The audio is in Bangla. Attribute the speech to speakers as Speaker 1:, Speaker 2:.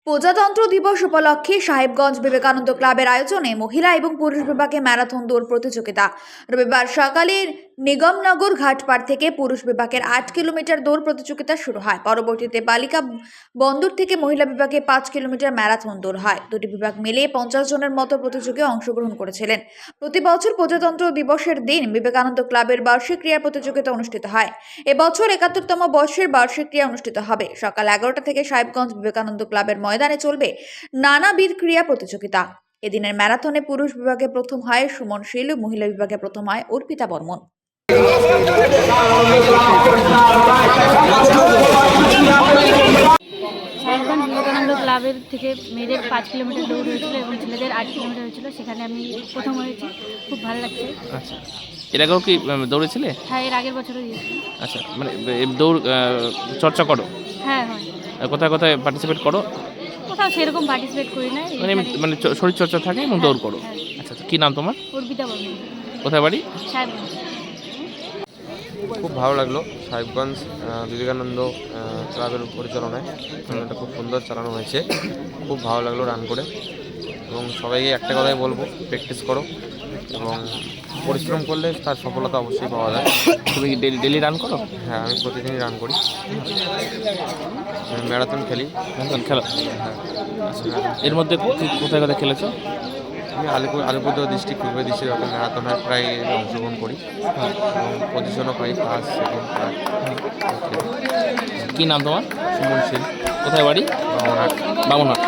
Speaker 1: প্রজাতন্ত্র দিবস উপলক্ষে সাহেবগঞ্জ বিবেকানন্দ ক্লাবের আয়োজনে মহিলা এবং পুরুষ বিভাগে ম্যারাথন দৌড় প্রতিযোগিতা। রবিবার সকালে নিগমনগর ঘাটপাড় থেকে পুরুষ বিভাগের 8 কিলোমিটার দৌড় প্রতিযোগিতা শুরু হয়। পরবর্তীতে বালিকা বন্দর থেকে মহিলা বিভাগে 5 কিলোমিটার ম্যারাথন দৌড় হয়। দুটি বিভাগ মিলিয়ে 50 জনের মতো প্রতিযোগী অংশগ্রহণ করেছিলেন। প্রতি বছর প্রজাতন্ত্র দিবসের দিন বিবেকানন্দ ক্লাবের বার্ষিক ক্রীড়া প্রতিযোগিতা অনুষ্ঠিত হয়। এবছর 71তম বর্ষের বার্ষিক ক্রীড়া অনুষ্ঠিত হবে। সকাল 11টা থেকে সাহেবগঞ্জ বিবেকানন্দ ক্লাবের ময়দানে চলবে নানাবিধ ক্রীড়া প্রতিযোগিতা। এদিনের ম্যারাথনে পুরুষ বিভাগে প্রথম হয় সুমন শীল, মহিলা বিভাগে প্রথম হয় অর্পিতা বর্মন।
Speaker 2: সাহেবগঞ্জ বিবেকানন্দ ক্লাবের থেকে মেয়েদের 5 কিলোমিটার দৌড় হয়েছিল এবং ছেলেদের 8 কিলোমিটার হয়েছিল। সেখানে আমি প্রথম হয়েছি, খুব ভালো লাগছে।
Speaker 3: আচ্ছা, এর আগেও কি দৌড়েছিলে?
Speaker 2: হ্যাঁ, এর আগের বছরও দিয়েছি।
Speaker 3: আচ্ছা, মানে দৌড় চর্চা করো?
Speaker 2: হ্যাঁ হয়।
Speaker 3: কোথায় কোথায় পার্টিসিপেট করো?
Speaker 2: কোথাও সেরকম পার্টিসিপেট করি না,
Speaker 3: মানে শরীর চর্চা থাকে এবং দৌড় করো।
Speaker 2: হ্যাঁ।
Speaker 3: আচ্ছা, কী নাম তোমার?
Speaker 2: অর্পিতা বর্মন।
Speaker 3: কোথায় বাড়ি?
Speaker 2: সাহেবগঞ্জ।
Speaker 4: খুব ভালো লাগলো সাহেবগঞ্জ বিবেকানন্দ ক্লাবের পরিচালনায় এটা খুব সুন্দর চালানো হয়েছে। খুব ভালো লাগলো রান করে, এবং সবাইকে একটা কথাই বলবো, প্র্যাকটিস করো এবং পরিশ্রম করলে তার সফলতা অবশ্যই পাওয়া যায়।
Speaker 3: তুমি ডেলি রান করো?
Speaker 4: হ্যাঁ, আমি প্রতিদিনই রান করি, ম্যারাথন খেলি।
Speaker 3: খেলো?
Speaker 4: হ্যাঁ,
Speaker 3: এর মধ্যে কোথায় কোথায় খেলেছো?
Speaker 4: আমি আলিপুরদুয়ার ডিস্ট্রিক্ট পূর্ব ডিস্ট্রিক্ট ম্যারাথন প্রায় অংশগ্রহণ করি এবং পজিশনও পাই, ফার্স্ট সেকেন্ড থার্ড।
Speaker 3: কী নাম তোমার?
Speaker 4: সুমন শীল,
Speaker 3: কোথায় বাড়ি?
Speaker 4: বামনহাট।
Speaker 3: বামনহাট।